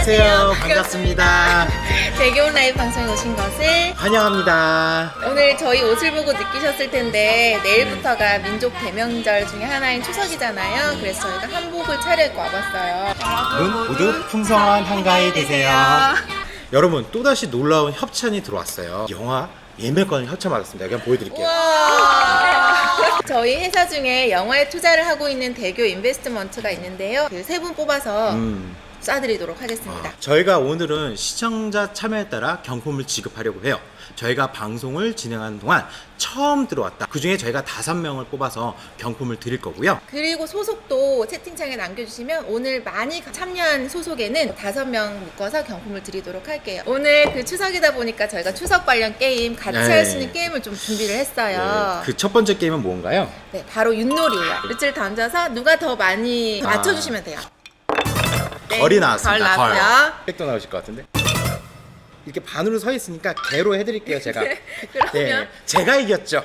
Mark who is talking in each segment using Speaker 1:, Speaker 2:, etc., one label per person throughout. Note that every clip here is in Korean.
Speaker 1: 안녕하세요. 반갑습니다.
Speaker 2: 대교 라이브 방송에 오신 것을
Speaker 1: 환영합니다.
Speaker 2: 오늘 저희 옷을 보고 느끼셨을 텐데 내일부터가 민족 대명절 중에 하나인 추석이잖아요. 그래서 저희가 한복을 차려입고 와봤어요.
Speaker 1: 여러분 모두 풍성한 한가위 되세요. 여러분 또다시 놀라운 협찬이 들어왔어요. 영화 예매권 협찬 받았습니다. 그냥 보여드릴게요.
Speaker 2: 우와. 저희 회사 중에 영화에 투자를 하고 있는 대교 인베스트먼트가 있는데요. 그 세 분 뽑아서 쏴드리도록 하겠습니다.
Speaker 1: 저희가 오늘은 시청자 참여에 따라 경품을 지급하려고 해요. 저희가 방송을 진행하는 동안 처음 들어왔다. 그 중에 저희가 5명을 뽑아서 경품을 드릴 거고요.
Speaker 2: 그리고 소속도 채팅창에 남겨주시면 오늘 많이 참여한 소속에는 5명 묶어서 경품을 드리도록 할게요. 오늘 그 추석이다 보니까 저희가 추석 관련 게임 같이
Speaker 1: 네.
Speaker 2: 할 수 있는 게임을 좀 준비를 했어요.
Speaker 1: 그 첫 번째 게임은 뭔가요?
Speaker 2: 네, 바로 윷놀이예요. 윷을 던져서 누가 더 많이 맞춰주시면 돼요. 네,
Speaker 1: 걸이 나왔습니다.
Speaker 2: 걸 나왔고요.
Speaker 1: 백도 나오실 것 같은데. 이렇게 반으로 서 있으니까 개로 해드릴게요. 제가.
Speaker 2: 그러면
Speaker 1: 제가 이겼죠.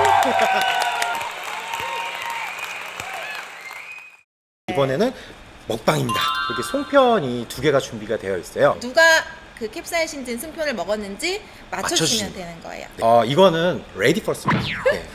Speaker 1: 이번에는 먹방입니다. 이렇게 송편이 2개가 준비가 되어 있어요.
Speaker 2: 누가 그 캡사이신 든 승편을 먹었는지 맞춰주시면 되는 거예요.
Speaker 1: 이거는 레디 퍼스트입니다. 네.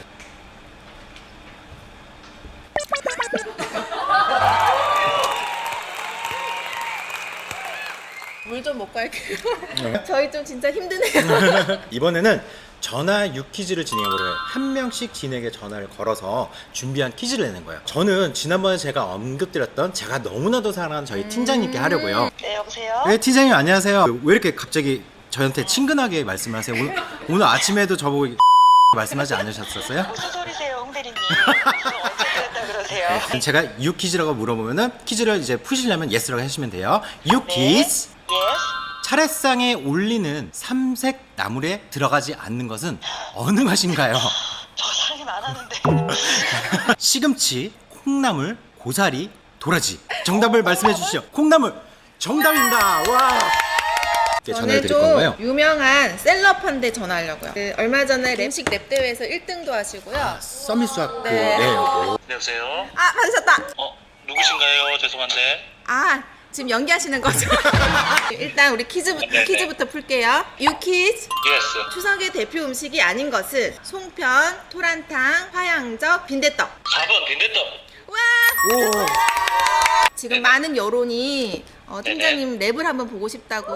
Speaker 2: 물 좀 먹고 할게요. 저희 좀 진짜 힘드네요.
Speaker 1: 이번에는 전화 6퀴즈를 진행을 해요. 한 명씩 진에게 전화를 걸어서 준비한 퀴즈를 내는 거예요. 저는 지난번에 제가 언급드렸던 제가 너무나도 사랑하는 저희 팀장님께 하려고요.
Speaker 3: 네, 여보세요?
Speaker 1: 네, 팀장님 안녕하세요. 왜 이렇게 갑자기 저한테 친근하게 말씀을 하세요? 오늘 아침에도 저보고 말씀하지 않으셨었어요?
Speaker 3: 무슨 소리세요, 홍대리님? 언제 그랬다 그러세요?
Speaker 1: 제가 6퀴즈라고 물어보면은 퀴즈를 이제 푸시려면 yes라고 하시면 돼요. 6퀴즈.
Speaker 3: 예스?
Speaker 1: 차례상에 올리는 삼색 나물에 들어가지 않는 것은 어느 맛인가요?
Speaker 3: 저 상임 안 하는데.
Speaker 1: 시금치, 콩나물, 고사리, 도라지. 정답을 말씀해 주시죠. 콩나물 정답입니다. 와. 네, 전화를
Speaker 2: 저는
Speaker 1: 드릴
Speaker 2: 좀
Speaker 1: 건가요?
Speaker 2: 유명한 셀럽한테 전화하려고요. 그 얼마 전에 음식 랩 대회에서 1등도 하시고요.
Speaker 1: 서밋 수학
Speaker 2: 네.
Speaker 4: 여보세요?
Speaker 2: 아, 받으셨다.
Speaker 4: 누구신가요? 죄송한데.
Speaker 2: 아, 지금 연기하시는 거죠? 일단 우리 퀴즈부터 풀게요. 유퀴즈.
Speaker 4: 예스.
Speaker 2: 추석의 대표 음식이 아닌 것은 송편, 토란탕, 화양적, 빈대떡.
Speaker 4: 4번 빈대떡.
Speaker 2: 와!
Speaker 1: 오.
Speaker 2: 지금
Speaker 4: 네네.
Speaker 2: 많은 여론이 팀장님 랩을 한번 보고 싶다고.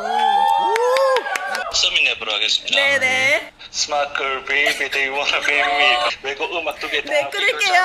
Speaker 4: 서밋 랩으로 하겠습니다.
Speaker 2: 네네.
Speaker 4: 스마클 베이비 they wanna be me. 외국 음악 2개 다.
Speaker 2: 네, 끊을게요.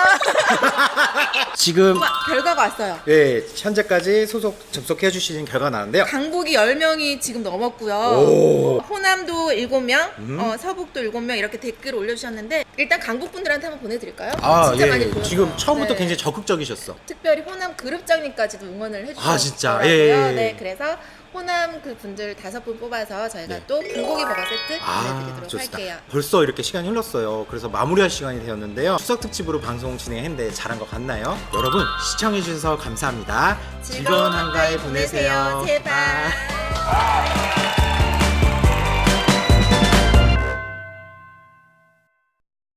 Speaker 1: 지금
Speaker 2: 우와, 결과가 왔어요.
Speaker 1: 네, 현재까지 접속해 주시는 결과가 나왔는데요.
Speaker 2: 강북이 10명이 지금 넘었고요.
Speaker 1: 오.
Speaker 2: 호남도 7명, 서북도 7명 이렇게 댓글 올려주셨는데 일단 강북 분들한테 한번 보내드릴까요? 진짜 많이 보여서.
Speaker 1: 지금 처음부터
Speaker 2: 네.
Speaker 1: 굉장히 적극적이셨어.
Speaker 2: 특별히 호남 그룹장님까지도 응원을 해주셨어요.
Speaker 1: 아, 진짜? 예.
Speaker 2: 네, 그래서 호남 그 분들 5분 뽑아서 저희가
Speaker 1: 네.
Speaker 2: 또 불고기 버거 세트 보내드리도록
Speaker 1: 좋습니다.
Speaker 2: 할게요.
Speaker 1: 벌써 이렇게 시간이 흘렀어요. 그래서 마무리할 시간이 되었는데요. 추석 특집으로 방송 진행했는데 잘한 것 같나요? 여러분 시청해주셔서 감사합니다. 즐거운 한가위 보내세요.
Speaker 2: 제발.